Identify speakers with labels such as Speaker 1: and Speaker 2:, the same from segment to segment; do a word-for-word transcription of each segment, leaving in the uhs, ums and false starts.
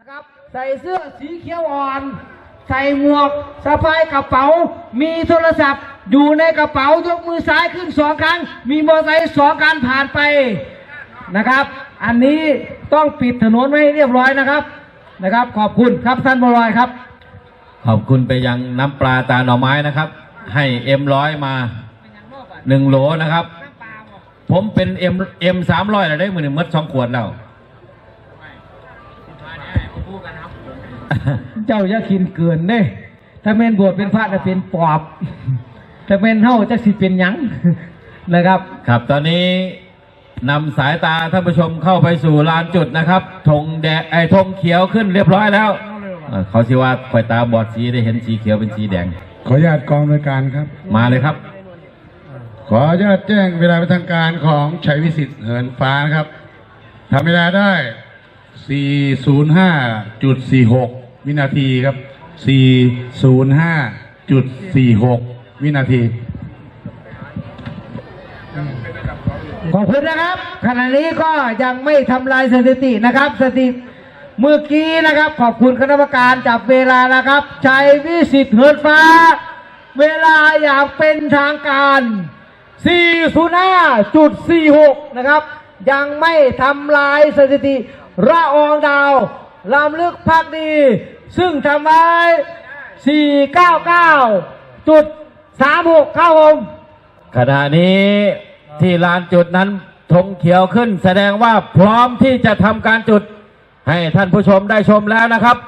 Speaker 1: นะครับใส่เสื้อสีเขียวอ่อนใส่หมวกสะพายกระเป๋ามีโทรศัพท์อยู่ในกระเป๋ายกมือซ้ายขึ้นสองครั้งมีมอเตอร์ไซค์สองคันผ่านไปนะครับอันนี้ต้องปิดถนนไว้เรียบร้อยนะครับนะครับขอบคุณครับท่านบรอยครับ
Speaker 2: ขอบคุณไปยังน้ำปลาตาหน่อไม้นะครับให้เอ็มร้อยมาหนึ่งโหลนะครับผมเป็นเอ็มเอ็มสามร้อยแล้วได้มือหนึ่งมัดสองขวดแล้ว
Speaker 1: เจ้าอย่ากินเกินเด้ถ้าเมนบวชเป็นพระจะเป็นปอบถ้าเมนเท่าจะสิเป็นยังนะครับ
Speaker 2: ครับตอนนี้นำสายตาท่านผู้ชมเข้าไปสู่ลานจุดนะครับธงแดงไอ้ธงเขียวขึ้นเรียบร้อยแล้วเขาชื่อว่าไฟตาบอดสีได้เห็นสีเขียวเป็นสีแดง
Speaker 3: ขออนุญาตกองบริการครับ
Speaker 2: มาเลยครับ
Speaker 3: ขออนุญาตแจ้งเวลาเป็นทางการของชัยวิสิทธิ์เหินฟ้านะครับทำเวลาได้ สี่ศูนย์ห้าจุดสี่หก วินาทีครับ สี่ศูนย์ห้าจุดสี่หก วินาที
Speaker 1: ขอบคุณนะครับขณะนี้ก็ยังไม่ทำลายสถิตินะครับสถิติเมื่อกี้นะครับขอบคุณคณะกรรมการจับเวลานะครับชัยวิสิทธิ์เหินฟ้าเวลาอย่างเป็นทางการ สี่ศูนย์ห้าจุดสี่หก นะครับยังไม่ทำลายสถิติระอองดาวลำลึกพักดีซึ่งทำไว้ สี่ เก้า เก้า จุด สามหก ครับผม
Speaker 2: ขณะนี้ที่ลานจุดนั้นธงเขียวขึ้นแสดงว่าพร้อมที่จะทำการจุดให้ท่านผู้ชมได้ชมแล้วนะครับ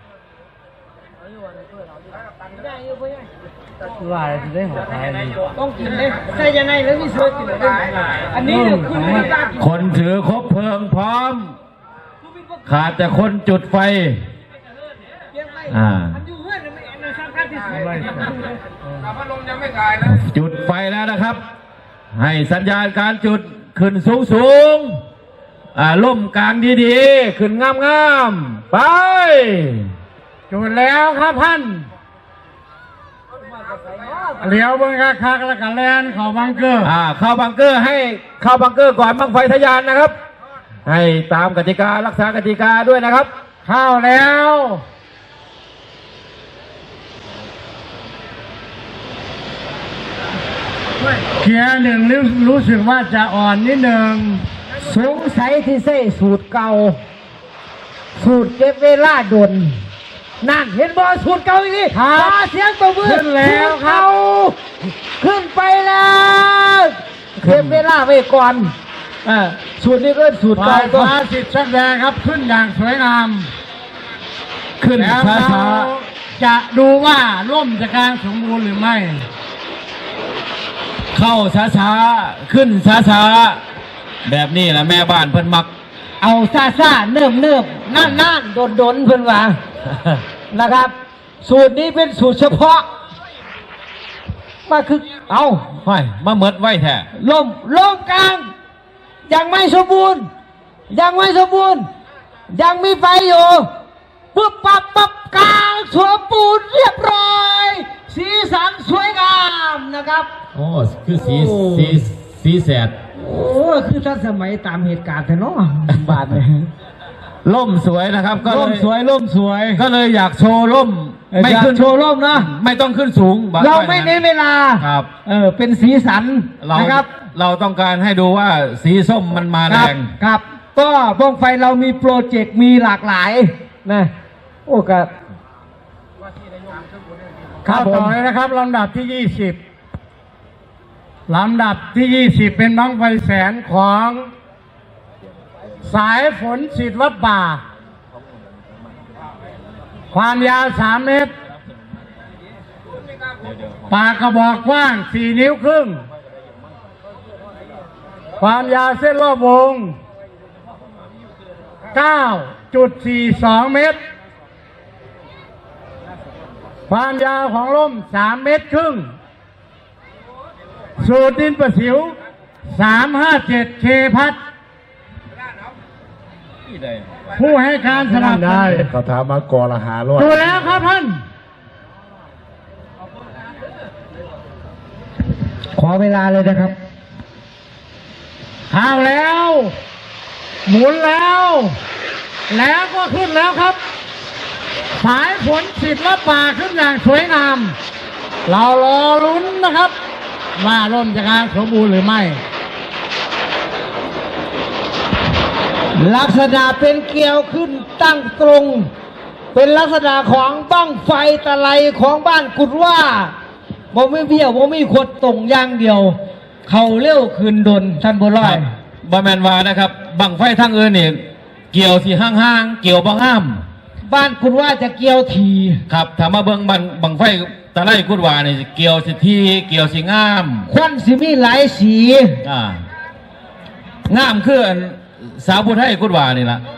Speaker 1: ว่าจะได้หัวท้ายต้องกินเลยใส่ยังไงแล้วมีเสื้อกินเลยอันนี้
Speaker 2: คนถือคบเพลิงพร้อมขาดแต่คนจุดไฟอ่าจุดไฟแล้วนะครับให้สัญญาณการจุดขึ้นสูงสูงอ่าล่มกลางดีๆขึ้นงามๆไป
Speaker 1: จุดแล้วครับท่าน
Speaker 3: เหลียวเบิ้งคักๆแล้วกันแลนเข้าบังเกอร์
Speaker 2: อ่าเข้าบังเกอร์ให้เข้าบังเกอร์ก่อนบังไฟทะยานนะครับให้ตามกติการักษากติกาด้วยนะครับ
Speaker 1: เข้าแล้ว
Speaker 3: เกียร์หนึ่งรู้สึกว่าจะอ่อนนิดหนึ่ง
Speaker 1: สงสัยที่ใส่สูตรเก่าสูตรเก็บเวลาดนนั่นเห็นบอลสูตรเก่าอีกนี่ขอเสียงตบมือ
Speaker 3: ขึ้นแล้วครับ
Speaker 1: ขึ้นไปแล้วเก็บเวลาไว้ก่อนอ่าสูตรนี้ก็สูตรเก่า
Speaker 3: ตัวฟ้าสิทธิ์ชักแดงครับขึ้นอย่างสวยงาม
Speaker 2: ขึ้นช้า
Speaker 3: ๆจะดูว่าล่มจะกลางสมบูรณ์หรือไม่
Speaker 2: เข้าช้าๆขึ้นช้าๆแบบนี้แหละแม่บ้านเพิ่นมัก
Speaker 1: เอาซาซาเนิ่มเนิ่มนั่นนั่นโดนโดนเพิ่นว่านะครับสูตรนี้เป็นสูตรเฉพาะมาคือเอา
Speaker 2: ไว้มาเมิดไว้แท้
Speaker 1: ลมลมกลางยังไม่สมบูรณ์ยังไม่สมบูรณ์ยังมีไฟอยู่ปุ๊บปั๊บปั๊บกลางสวมปูนเรียบร้อยสีสันสวยงามนะครับ
Speaker 2: โอ้คือสีสีสีแสด
Speaker 1: โอ้คือท่านสมัยตามเหตุการณ์เถอะเนาะบาดเลย
Speaker 2: ล่มสวยนะครับก็
Speaker 1: ล่มสวยล่มสวย
Speaker 2: ก็เลยอยากโชว์ล่ม
Speaker 1: ไม่ขึ้นโชว์ล่มนะ
Speaker 2: ไม่ต้องขึ้นสูง
Speaker 1: เราไม่เน้นเวลา
Speaker 2: ครับ
Speaker 1: เออเป็นสีสันนะครับ
Speaker 2: เราต้องการให้ดูว่าสีส้มมันมาแรง
Speaker 1: ครับก็บ้องไฟเรามีโปรเจกต์มีหลากหลายนะโอ้กับ
Speaker 3: ครับต่อเลยนะครับลำดับที่ยี่สิบลำดับที่ยี่สิบเป็นบั้งไฟแสนของสายฝนสิทธิ์วัดป่าความยาวสามเมตรปากกระบอกกว้างสี่นิ้วครึ่งความยาวเส้นรอบวง เก้าจุดสี่สอง เมตรความยาวของล่มสามเมตรครึ่งสูตรดินประสิวสามห้าเจ็ดเคพัดผู้ให้การสนับสนุน
Speaker 2: เขาถามมากอละหาร้อย
Speaker 3: ดูแล้วครับท่าน
Speaker 1: ขอเวลาเลยนะครับ
Speaker 3: เข้าแล้วหมุนแล้วแล้วก็ขึ้นแล้วครับ
Speaker 4: สายฝนศิลปะขึ้นอย่างสวยงาม เรารอลุ้นนะครับ ว่าร่มจะงานสมบูรณ์หรือไม่
Speaker 1: ลักษณะเป็นเกลียวขึ้นตั้งตรง เป็นลักษณะของบั้งไฟตะไลของบ้านกุดว่าบ่ไม่เบี้ยวบ่ไม่ขดตรงอย่างเดียว เขาเลี้ยวคืนดนท่านบุร้อย
Speaker 2: บอแมนวานะครับบังไฟทั้งอื่นนี่เกี่ยวสีห้างๆเกี่ยวบางห้าม
Speaker 1: บ้านกุดว่าจะเกลียวที
Speaker 2: ครับถามมาเบิ้งบังบังไฟตะไลกุดวานี่เกี่ยวสิทีเกี่ยวสีงาม
Speaker 1: ควันสิมีหลายสี
Speaker 2: อ่างามคืออันสาวผู้ไทยกุดวานี่ละ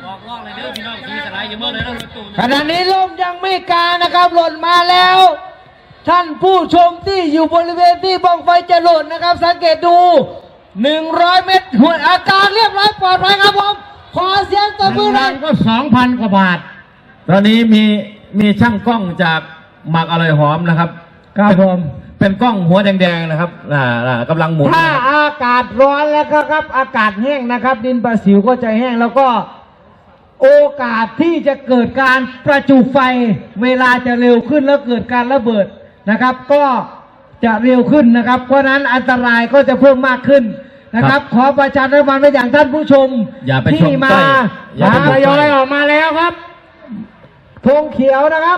Speaker 1: ขณะนี้ลมยังไม่กลางนะครับหล่นมาแล้ว ท่านผู้ชมที่อยู่บริเวณที่บ้องไฟจะหล่นนะครับ สังเกตดูหนึ่งร้อยเมตรหัวอาการเรียบร้อยปลอดภัยครับผมขอเสียงตบมือหน่อย
Speaker 4: ก็สองพันกว่าบาท
Speaker 2: ตอนนี้มีมีช่างกล้องจากหมักอร่อยหอมนะครับ
Speaker 1: ครับผม
Speaker 2: เป็นกล้องหัวแดงๆนะครับอ่าอ่ากำลังหมุน
Speaker 1: ถ้า
Speaker 2: นะครับ
Speaker 1: อากาศร้อนแล้วก็ครับอากาศแห้งนะครับ ดินประสิวก็จะแห้งแล้วก็โอกาสที่จะเกิดการประจุไฟ เวลาจะเร็วขึ้นแล้วเกิดการระเบิดนะครับ ก็จะเร็วขึ้นนะครับ เพราะนั้นอันตรายก็จะเพิ่มมากขึ้นนะครับ ขอประชาสัมพันธ์ไปอย่างท่านผู้ชม
Speaker 2: อย่าไปช
Speaker 1: ที่
Speaker 2: ม
Speaker 1: มา
Speaker 2: ใกล้อย่าไป
Speaker 1: หา
Speaker 2: ชม
Speaker 1: ท
Speaker 2: ใก
Speaker 1: ยอย
Speaker 2: ล้
Speaker 1: ออกมาแล้วครับธงเขียวนะครับ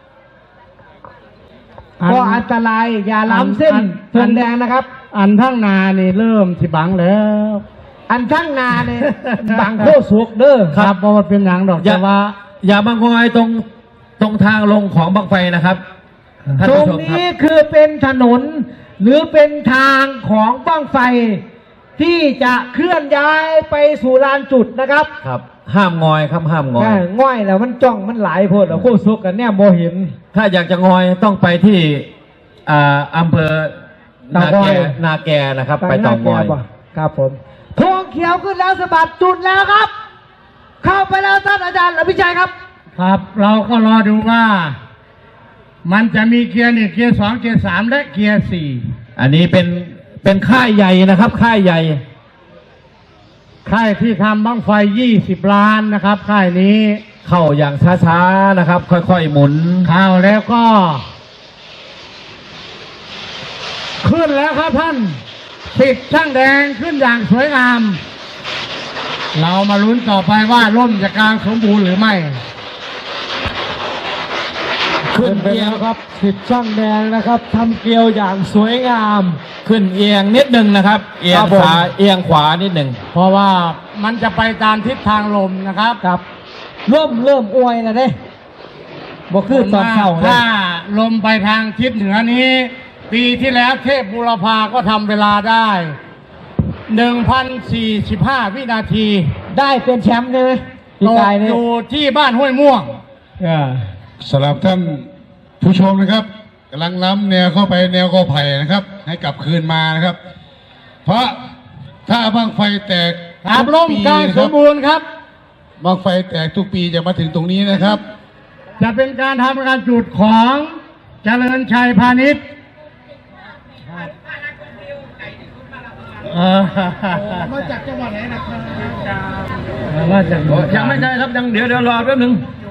Speaker 4: อัน
Speaker 1: ก็อันตรายอย่าล้ำเส้น
Speaker 4: อัน
Speaker 1: ธงแดงนะครับ
Speaker 4: อันทั้งนานี่เริ่มสิบังแล้ว
Speaker 1: อันทั้งนาเนี่ย บังโคสุกเด้อ
Speaker 4: ครับเพราะว่าเป็นอย่างดอก
Speaker 2: อย่า
Speaker 4: แต่ว่า
Speaker 2: อย่ามางอยตรงตรงทางลงของบังไฟนะครับท่าน
Speaker 1: ตร
Speaker 2: ผู้
Speaker 1: ง
Speaker 2: ชมครับ
Speaker 1: นี้คือเป็นถนน หรือเป็นทางของบ้างไฟ ที่จะเคลื่อนย้ายไปสู่ลานจุดนะครับ
Speaker 2: ครับ ห้ามงอยครับห้ามงอย
Speaker 1: แม่ง่อยแล้วมันจ้องมันหลายโพดแล้วโคสุกกันเนี่ยโมเห็น
Speaker 2: ถ้าอยากจะงอยต้องไปที่อ่าอำเภอนา
Speaker 1: เตาง
Speaker 2: แก
Speaker 1: อย
Speaker 2: นาแกนะครับ ไปเตางอย
Speaker 1: ป่ะครับผมธงเขียวขึ้นแล้วสะบัดจุดแล้วครับ เข้าไปแล้วท่านอาจารย์อภิชัยครับ
Speaker 4: ครับเราก็รอดูว่า มันจะมีเกียร์หนึ่งเกียร์สองเกียร์สามและเกียร์สี่
Speaker 2: อันนี้เป็นเป็นค่ายใหญ่นะครับ ค่ายใหญ่
Speaker 4: ค่ายที่ทำบั้งไฟยี่สิบล้านนะครับค่ายนี้
Speaker 2: เข้าอย่างช้าๆนะครับ ค่อยๆหมุน
Speaker 4: เข้าแล้วก็ ขึ้นแล้วครับท่านติดช่างแดงขึ้นอย่างสวยงาม เรามาลุ้นต่อไปว่าร่มจะกลางสมบูรณ์หรือไม่
Speaker 1: ขึ้นไปแล้วครับสิบช่างแดงนะครับทำเกลียวอย่างสวยงาม
Speaker 2: ขึ้นเอียงนิดหนึ่งนะครับ เอีย
Speaker 1: ครั
Speaker 2: ง
Speaker 1: บผม
Speaker 2: ซ้ายเอียงขวานิดหนึ่ง
Speaker 4: เพราะว่ามันจะไปตามทิศทางลมนะครับ
Speaker 1: ครับเริ่มเริ่มอวยแล้วเด้บ่คือตอนเช้านะ
Speaker 4: ถ้าลมไปทางทิศเหนือนี้ ปีที่แล้วเทพบุรพาก็ทำเวลาได้หนึ่งพันสี่สิบห้าวินาที
Speaker 1: ได้เป็นแชมป์ใช่ไหมพี่
Speaker 4: ตก
Speaker 1: กายเนี่ย
Speaker 4: อยู่ที่บ้านห้วยม่วง
Speaker 1: เออ
Speaker 3: สำหรับท่านผู้ชมนะครับกำลังล้ำแนวเข้าไปแนวกอไผ่นะครับ ให้กลับคืนมานะครับ เพราะถ้าบั้งไฟแตก
Speaker 4: ครับ
Speaker 3: ทุ
Speaker 4: ลม
Speaker 3: ปี
Speaker 4: กลาง
Speaker 3: นะ
Speaker 4: ส
Speaker 3: ครั
Speaker 4: ม
Speaker 3: บ
Speaker 4: บูรณ์ครับ
Speaker 3: บั้งไฟแตกทุกปีจะมาถึงตรงนี้นะครับ
Speaker 4: จะเป็นการทำการจุดของเจริญชัยพาณิชย์เออ
Speaker 1: มาจากจังหวัดไหนนะครับ
Speaker 4: มาจาก
Speaker 2: ยังไม่ได้ครับยังเดี๋ยวเดี๋ยวรอแป๊บหนึง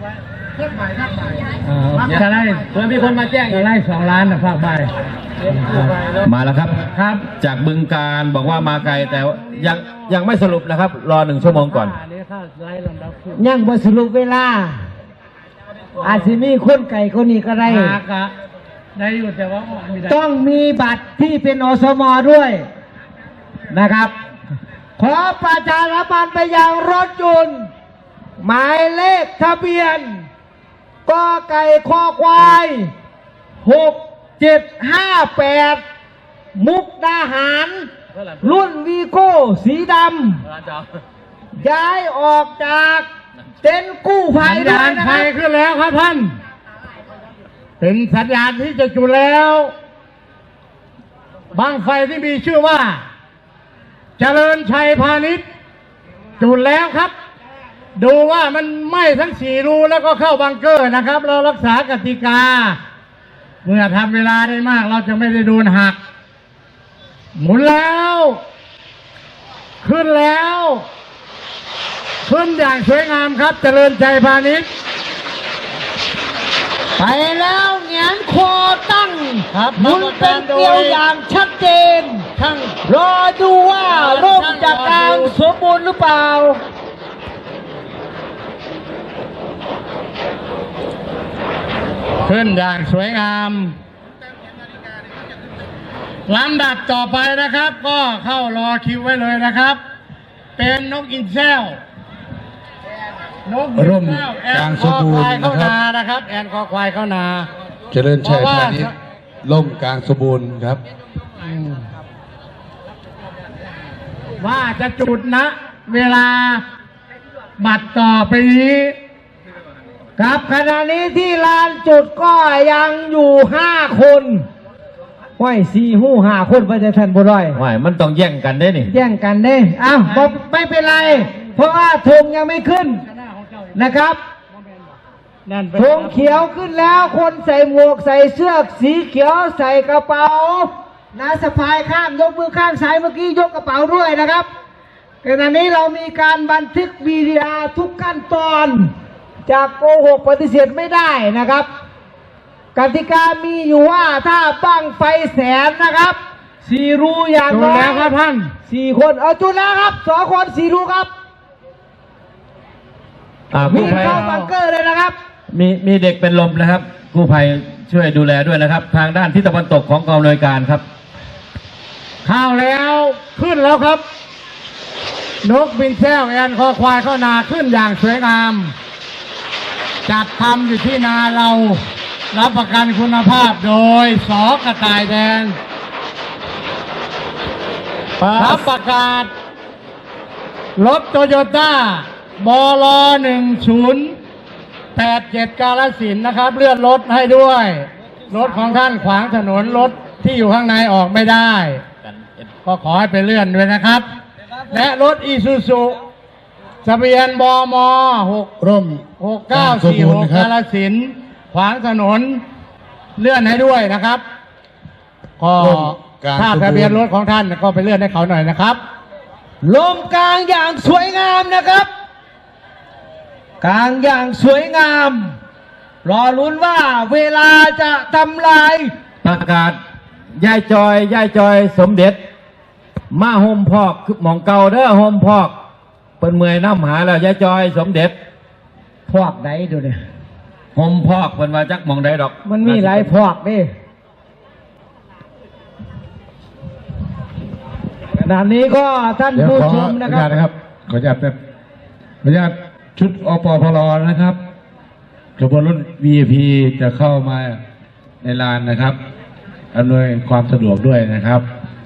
Speaker 4: เออจะได้
Speaker 2: เพื่อมีคนมาแจ้ง
Speaker 4: จะได้สองล้านนะภาคใต้
Speaker 2: มาแล้วครับ
Speaker 4: ครับ
Speaker 2: จากบึงการบอกว่ามาไกลแต่ว่ายังยังไม่สรุปนะครับ รอหนึ่งชั่วโมงก่อน
Speaker 4: อันนี้ถ้าไล่ลำดับขึ้น
Speaker 1: ยังบ่สรุปเวลา อาจจะมีคนไก่คนนี้ก็ได้
Speaker 4: หากะได้อยู่แต่ว่าไม่ได้
Speaker 1: ต้องมีบัตรที่เป็นอสมด้วยนะครับ ขอประชาสัมพันธ์ไปยังรถยนต์หมายเลขทะเบียนกอไก่คอควายหกเจ็ดห้าแปดมุกดาหาร รุ่นวีโก้สีดำย้ายออกจากเต็นท์กู้ภั
Speaker 4: สั
Speaker 1: ย
Speaker 4: ญ
Speaker 1: ด้
Speaker 4: ญา
Speaker 1: วย
Speaker 4: ณ
Speaker 1: นะ
Speaker 4: ไฟ
Speaker 1: ครับ
Speaker 4: ขึ้นแล้วครับท่าน เป็นสัญญาณที่จะจุดแล้วบั้งไฟที่มีชื่อว่า เจริญชัยพาณิชย์จุดแล้วครับ ดูว่ามันไหม้ทั้งสี่รูแล้วก็เข้าบังเกอร์นะครับ เรารักษากติกา เมื่อทำเวลาได้มาก เราจะไม่ได้โดนหัก หมุนแล้ว ขึ้นแล้ว ขึ้นอย่างสวยงามครับ เจริญชัยพาณิชย์
Speaker 1: ไปแล้วแหงนคอตั้ง
Speaker 4: ครับ
Speaker 1: หมุนเป็นเกลียวอย่างชัดเจน
Speaker 4: ช่าง
Speaker 1: รอดูว่าร่มจากกลางสมบูรณ์หรือเปล่า
Speaker 4: ขึ้นอย่างสวยงามลำดับต่อไปนะครับ ก็เข้ารอคิวไว้เลยนะครับ เป็นนกอินแซวนกอิน
Speaker 3: ร่ม
Speaker 4: แซวแอก
Speaker 3: ลาง
Speaker 4: น
Speaker 3: ส
Speaker 4: ค
Speaker 3: ม
Speaker 4: อ
Speaker 3: บู
Speaker 4: ค
Speaker 3: ร
Speaker 4: วาย
Speaker 3: ณ์
Speaker 4: เข้า
Speaker 3: นะครับ
Speaker 4: นานะครับ แอนคอควายเข้านา
Speaker 3: เจริญชัย
Speaker 4: เพราะว่า
Speaker 3: พาณิชย์ล่มกลางสมบูรณ์ครับ
Speaker 4: อืมว่าจะจุดนะ เวลาบัตรต่อไปนี้
Speaker 1: ครับขณะนี้ที่ลานจุดก็ยังอยู่ห้าคนห้อยสี่หู้ห้าคนพระเจ้าท่านบุร้อย
Speaker 2: ว่ายมันต้องแย่งกันได้นี่
Speaker 1: แย่งกันเด้อ้าวบ่ไม่เป็นไร เพราะว่าธงยังไม่ขึ้นนะครับ
Speaker 4: นั่น
Speaker 1: ธงเขียวขึ้นแล้วคนใส่หมวกใส่เสื้อสีเขียวใส่กระเป๋านะสะพายข้ามยกมือข้างซ้ายเมื่อกี้ยกกระเป๋าด้วยนะครับขณะนี้เรามีการบันทึกวีดีโอทุกขั้นตอนจากโกหกปฏิเสธไม่ได้นะครับ กติกามีอยู่ว่าถ้าบั้งไฟแสนนะครับสี่รูอย่าง
Speaker 4: จุด
Speaker 1: น้อย
Speaker 4: แล้วครับท่าน
Speaker 1: สี่คนเอาจุดแล้วครับสองคนสี่รูครับ
Speaker 2: อ่า
Speaker 1: วิ่
Speaker 2: กู้
Speaker 1: ง
Speaker 2: ภัย
Speaker 1: เข้าบังเกอร์เลยนะครับ
Speaker 2: มีมีเด็กเป็นลมนะครับกู้ภัยช่วยดูแลด้วยนะครับ ทางด้านทิศตะวันตกของกองอำนวยการครับ
Speaker 4: เข้าแล้วขึ้นแล้วครับ นกบินแซวแอนคอควายเข้านาขึ้นอย่างสวยงาม จัดทำอยู่ที่นาเรา รับประกันคุณภาพโดยสอกระต่ายแดงรับประกาศ รถโตโยต้าบลหนึ่งศูนย์แปดเจ็ดกาฬสินธุ์นะครับ เลื่อนรถให้ด้วย รถของท่านขวางถนนรถที่อยู่ข้างในออกไม่ได้ ก็ขอให้ไปเลื่อนด้วยนะครับ และรถอีซูซูทะเบียนบมหก
Speaker 3: ร่ม
Speaker 4: หกเก้าสี่หกกาฬสินธุ์ขวางถนนเลื่อนให้ด้วยนะครับก็
Speaker 3: ร่มกลาง
Speaker 4: ถ้า
Speaker 3: สมบูรณ์
Speaker 4: ทะเบียนรถของท่านก็ไปเลื่อนให้เขาหน่อยนะครับ
Speaker 1: ลมกลางอย่างสวยงามนะครับ กลางอย่างสวยงาม รอลุ้นว่าเวลาจะทำลาย
Speaker 2: ประกาศย่ายจอยย่ายจอยสมเด็จ มาโฮมพอกคือหมองเก่าเด้อโฮมพอกเปิ้นเมื่อยน้ำหาแล้วย่ายจอยสมเด็จ
Speaker 1: พวกไหนดูเนี่ย
Speaker 2: โฮมพอกเปิ้นว่าจักหมองใดดอก
Speaker 1: มันมีหลายพวกนี่ขณะนี้ก็ท่าน
Speaker 3: เดี๋ยว
Speaker 1: ผู้
Speaker 3: ขอ
Speaker 1: ช
Speaker 3: อ
Speaker 1: ม
Speaker 3: นุ
Speaker 1: นะค
Speaker 3: ญา
Speaker 1: รั
Speaker 3: ต
Speaker 1: บ
Speaker 3: นะครับ ขออนุญาตแบบขออนุญาตชุดอปพลนะครับขบวนรถ วี ไอ พี จะเข้ามาในลานนะครับอำนวยความสะดวกด้วยนะครับ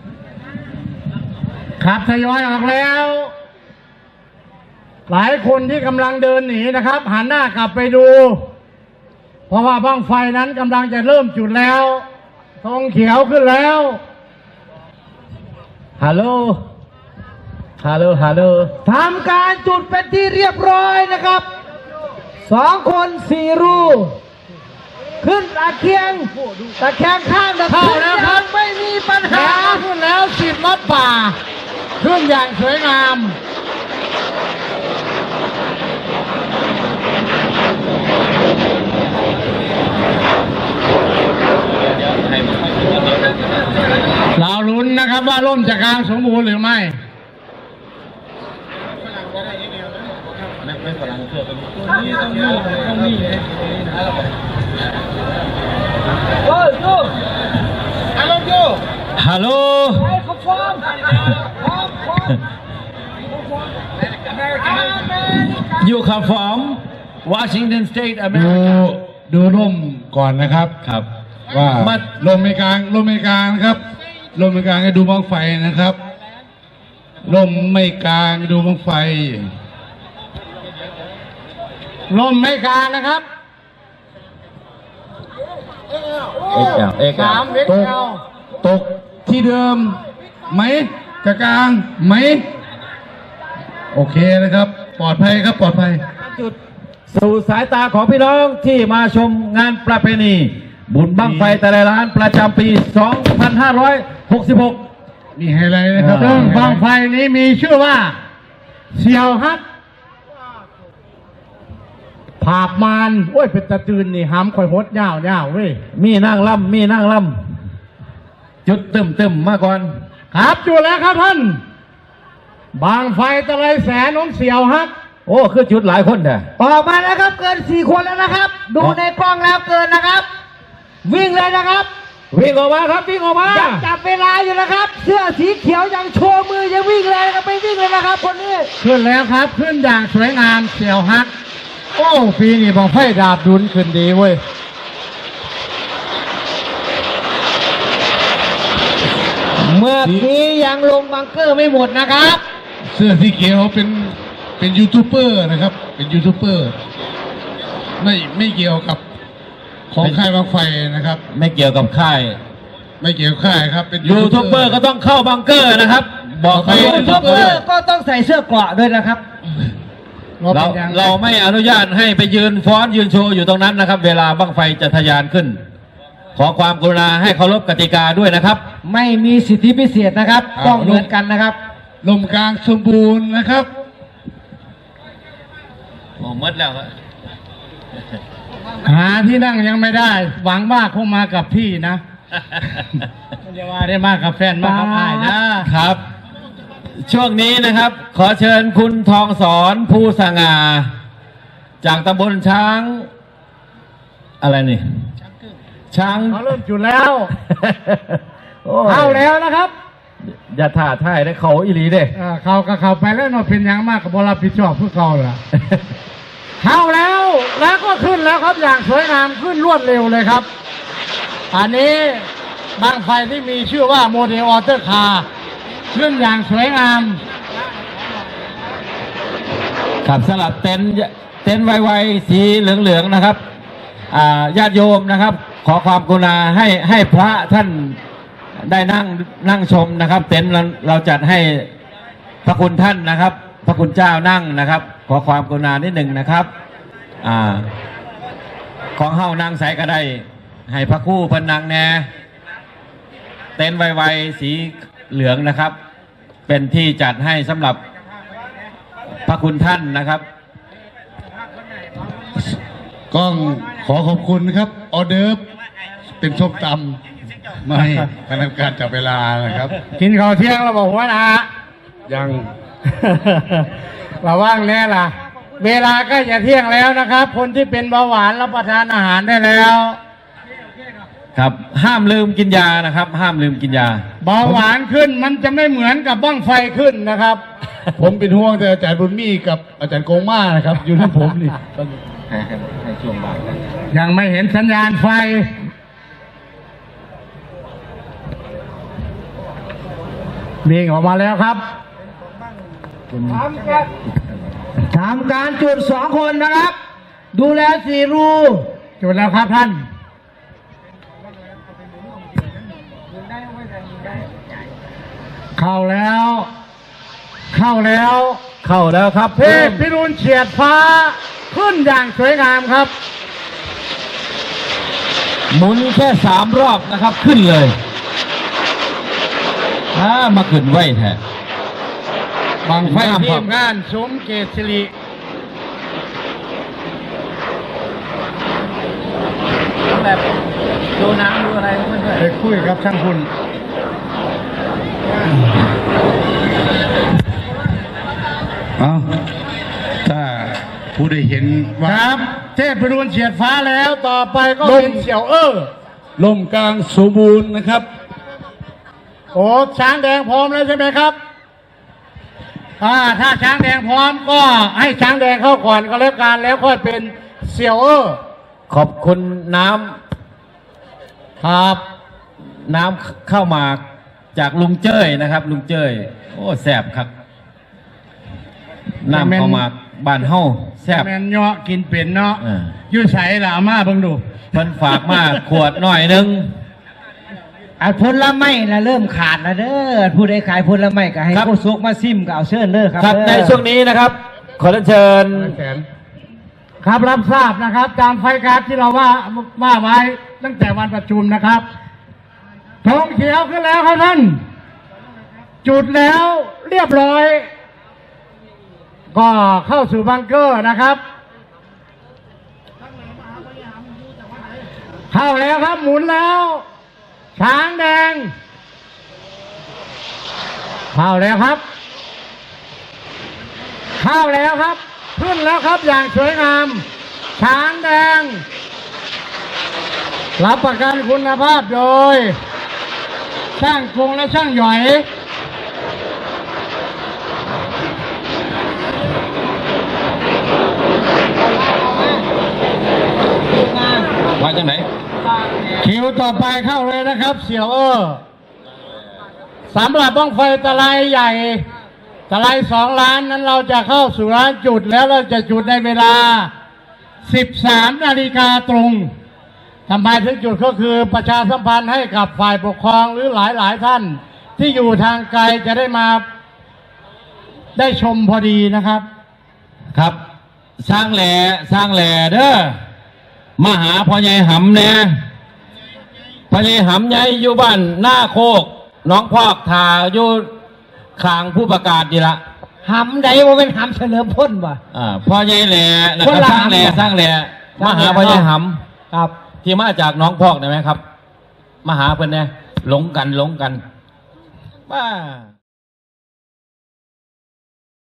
Speaker 4: ครับทยอยออกแล้ว หลายคนที่กำลังเดินหนีนะครับ หันหน้ากลับไปดู เพราะว่าบ้างไฟนั้นกำลังจะเริ่มจุดแล้วธงเขียวขึ้นแล้ว
Speaker 2: ฮัลโหลฮัลโหลฮัลโหล
Speaker 1: ทำการจุดเป็นที่เรียบร้อยนะครับสองคนสี่รูขึ้นตะเคียงตะแคงข้างตะ
Speaker 4: เข้าแล้วครับ
Speaker 1: ไม่มีปัญ
Speaker 4: แล้
Speaker 1: หา
Speaker 4: วขึ้นแล้วสิบมัดป่า ขึ้นอย่างสวยงาม เราลุ้นนะครับว่าร่มจะกลางสมบูรณ์หรือไม่
Speaker 2: ฮัลโหล
Speaker 1: เขาฟ้องฟ้องฟ้อง
Speaker 2: You come from Washington State
Speaker 3: ดู
Speaker 2: America
Speaker 3: ดูร่มก่อนนะครับ
Speaker 2: ครับ
Speaker 3: ว่า
Speaker 2: มา
Speaker 3: ลมไม่กลางลมไม่กลางนะครับลมไม่กลางให้ดูบังไฟนะครับลมไม่กลางดูบังไฟ
Speaker 4: ลมไม่กลางนะครับ
Speaker 2: เอ็กแอลเอ็กแอ
Speaker 4: สาม
Speaker 2: ล
Speaker 4: เอ็ก
Speaker 3: ตก
Speaker 4: เอล
Speaker 3: ตกที่เดิมไหมจะกลางไหมโอเคนะครับ ปลอดภัยครับปลอดภัย
Speaker 2: จุดสู่สายตาของพี่น้องที่มาชมงานประเพณี บุญบั้งไฟแต่ละล้านประจำปี สองพันห้าร้อยหกสิบหก
Speaker 3: มีไฮไลท์นะครับ
Speaker 4: ซึ่งบังไฟนี้มีชื่อว่า เสี่ยวฮัก พภาพมานโอ้ยเป็นตะตื่นนี่หำข่อยหดยาวยาวเว้ย
Speaker 2: มีนั่งล่ำมีนั่งล่ำจุดตึมตึมๆมาก่อน
Speaker 4: ครับจุดแล้วครับท่าน บางไฟตะไลแสนน้องเสียวฮัก
Speaker 2: โอ้คือจุดหลายคนแท้
Speaker 1: ออกมาแล้วครับเกินสี่คนแล้วนะครับ ดูในกล้องแล้วเกินนะครับ วิ่งเลยนะครับ
Speaker 2: วิ่งออกมาครับวิ่งออกมา
Speaker 1: ยังจับเวลาอยู่นะครับ เสื้อสีเขียวยังโชว์มือยังวิ่งเลยนะครับไปวิ่งเลยนะครับคนนี้
Speaker 4: ขึ้นแล้วครับขึ้นอย่างสวยงามเสียวฮัก โอ้ปีนี้บางไฟดาบดุลขึ้นดีเว้ย
Speaker 1: เมื่อกี้ยังลงบังเกอร์ไม่หมดนะครับ
Speaker 3: เสื้อสีเขียวเป็นเป็นยูทูบเบอร์นะครับ เป็นยูทูบเบอร์ไม่ไม่เกี่ยวกับของค่ายบางไฟนะครับ
Speaker 2: ไม่เกี่ยวกับค่าย
Speaker 3: ไม่เกี่ยวกับค่ายครับ เป็น
Speaker 2: ยูทูบเบอร์ก็ต้องเข้าบังเกอร์นะครับ บอกไป
Speaker 1: ยูทูบเบอร์ก็ต้องใส่เสื้อเกราะด้วยนะครับ
Speaker 2: เราเราไม่อนุญาตให้ไปยืนฟ้อนยืนโชว์อยู่ตรงนั้นนะครับ เวลาบังไฟจะทะยานขึ้น ขอความกรุณาให้เคารพกติกาด้วยนะครับ
Speaker 1: ไม่มีสิทธิพิเศษนะครับต้องเหมือนกันนะครับ
Speaker 3: ลมกลางสมบูรณ์นะครับ
Speaker 2: โอ้มืดแล้วครับ
Speaker 4: หาที่นั่งยังไม่ได้ หวังว่าคงมากับพี่นะ ไม่ได้ว่าได้มากับแฟนมากับอ้ายนะครับ
Speaker 2: ช่วงนี้นะครับ ขอเชิญคุณทองสอนภูสง่าจากตำบลช้าง อะไรนี่ช้าง
Speaker 4: เขาเริ่มจุดแล้ว
Speaker 2: โอ้ย
Speaker 4: เข้าแล้วนะครับ
Speaker 2: อย่าถ่าท่ายได้เขาอีหลีเด้
Speaker 4: เออเขาก็เข้าไปแล้วเนาะเป็นหยังมากกับบรับผิดชอบเพื่อเขาล่ะ เข้าแล้วแล้วก็ขึ้นแล้วครับอย่างสวยงามขึ้นรวดเร็วเลยครับ อันนี้บางไฟที่มีชื่อว่าโมเดลออเตอร์คาร์ขึ้นอย่างสวยงาม
Speaker 2: ครับสลับเต็นท์เต็นท์ไวๆสีเหลืองๆนะครับอ่าญาติโยมนะครับ ขอความกรุณาให้ให้พระท่านได้นั่งนั่งชมนะครับ เต็นท์เราเราจัดให้พระคุณท่านนะครับ พระคุณเจ้านั่งนะครับ ขอความกรุณานิดหนึ่งนะครับอ่าของเฮานั่งใส่ก็ได้ ให้พระคู่เพนนังแน่เต็นท์ไวๆสีเหลืองนะครับ เป็นที่จัดให้สำหรับพระคุณท่านนะครับ
Speaker 3: ก้องขอขอบคุณครับ ออเดิร์ฟเป็นส้มตำไม่คณะกรรมการจับเวลานะครับ
Speaker 4: กินข้าวเที่ยงเราบอกว่านะ
Speaker 3: ยัง
Speaker 4: เราว่างแน่ล่ะ เวลาก็จะเที่ยงแล้วนะครับ คนที่เป็นเบาหวานรับประทานอาหารได้แล้ว
Speaker 2: ครับห้ามลืมกินยานะครับ ห้ามลืมกินยา
Speaker 4: เบาหวานขึ้นมันจะไม่เหมือนกับบ้างไฟขึ้นนะครับ
Speaker 3: ผมเป็นห่วงแต่อาจารย์บุญมีกับอาจารย์โกงมานะครับ อยู่ที่ผมนี่
Speaker 2: ให้ให้ให้ช่วงบ่าย
Speaker 4: ยังไม่เห็นสัญญาณไฟวิ่งออกมาแล้วครับ
Speaker 1: ทำการจุดสองคนนะครับ ดูแลสี่รู
Speaker 4: จุดแล้วครับท่าน เข้าแล้ว เข้าแล้ว
Speaker 2: เข้าแล้วครับ
Speaker 4: เทพพิรุณเฉียดฟ้าขึ้นอย่างสวยงามครับ
Speaker 2: หมุนแค่สามรอบนะครับ ขึ้นเลยอ่ามาขึ้นไว้แท้
Speaker 4: บางไฟ
Speaker 2: งาม
Speaker 4: ที
Speaker 2: ครับ
Speaker 4: มงานสมเกตสิริ
Speaker 2: แบบดูน้ำดูอะไรเพื่อน
Speaker 4: ไปคุยกับช่างคุณ
Speaker 3: เอาถ้าผู้ได้เห็น
Speaker 4: ค
Speaker 3: ว่า
Speaker 4: รับ เทพพิรุณเฉียดฟ้าแล้วต่อไปก็เป็นเสี่ยวเออ
Speaker 3: ลมกลางสมบูรณ์นะครับ
Speaker 4: โอ้ช้างแดงพร้อมแล้วใช่ไหมครับอ่าถ้าช้างแดงพร้อมก็ให้ช้างแดงเข้าก่อนก็แล้วกันแล้วค่อยเป็นเสี่ยวเออ
Speaker 2: ขอบคุณน้ำ
Speaker 4: ครับ
Speaker 2: น้ำเข้ามาจากลุงเจ้ยนะครับ ลุงเจ้ยโอ้แสบครับน้ำเข้ามาบ้านเฮาแสบ
Speaker 4: แมนเนาะกินเป็นเนาะ
Speaker 2: อ่า
Speaker 4: ยืดใส่ละอามาเบิ่งดู
Speaker 2: เพิ่นฝากมาขวดหน่อยหนึง
Speaker 1: ไอ้ผลไม้นะเริ่มขาดแล้วเด้อผู้ใดขายผลไม้ก็ให้ผู้ซุกมาซิมก็เอาเชิญเด้อครับ
Speaker 2: ครับ
Speaker 1: เด้อ
Speaker 2: ในช่วงนี้นะครับ ขอเชิญ
Speaker 4: ครับรับทราบนะครับตามไฟการ์ดที่เราว่าว่าไว้ตั้งแต่วันประชุมนะครับธงเขียวขึ้นแล้วครับท่าน จุดแล้วเรียบร้อย ก็เข้าสู่บังเกอร์นะครับเข้าแล้วครับหมุนแล้ว ช้างแดง เข้าแล้วครับ เข้าแล้วครับ ขึ้นแล้วครับอย่างสวยงาม ช้างแดง รับประกันคุณภาพโดย ช่างกงและช่างหย่อย
Speaker 2: ว่าจังไหน
Speaker 4: คิวต่อไปเข้าเลยนะครับ เสี่ยวเออสำหรับบ้องไฟตะไลใหญ่ตะไลสองล้านนั้นเราจะเข้าสู่ร้านจุดแล้วเราจะจุดในเวลา สิบสามนาฬิกาตรงทำไมถึงจุดก็คือประชาสัมพันธ์ให้กับฝ่ายปกครองหรือหลายหลายท่าน ที่อยู่ทางไกลจะได้มาได้ชมพอดีนะครับ
Speaker 2: ครับ สร้างแหล่สร้างแหล่เด้อมาหาพ่อใหญ่หำเนี่ยพ่อใหญ่หำใหญ่อยู่บ้านหน้าโคกน้องพอกทาอยู่ข้างผู้ประกาศดีละ
Speaker 1: หำใดว่าเป็นหำเฉลิมพลวะ
Speaker 2: อ่าพ่อใหญ่แหล่นะค
Speaker 1: คน
Speaker 2: รับ
Speaker 1: ละ
Speaker 2: สร้างแหล่
Speaker 1: หำ
Speaker 2: สร้างแหล่
Speaker 1: สร้าง
Speaker 2: มา
Speaker 1: แหล่
Speaker 2: หาพ่อใหญ่ห
Speaker 1: ครับ
Speaker 2: ำที่มาจากน้องพอกได้ไหมครับมาหาเพื่อนเนี่ยหลงกันหลงกันบ้า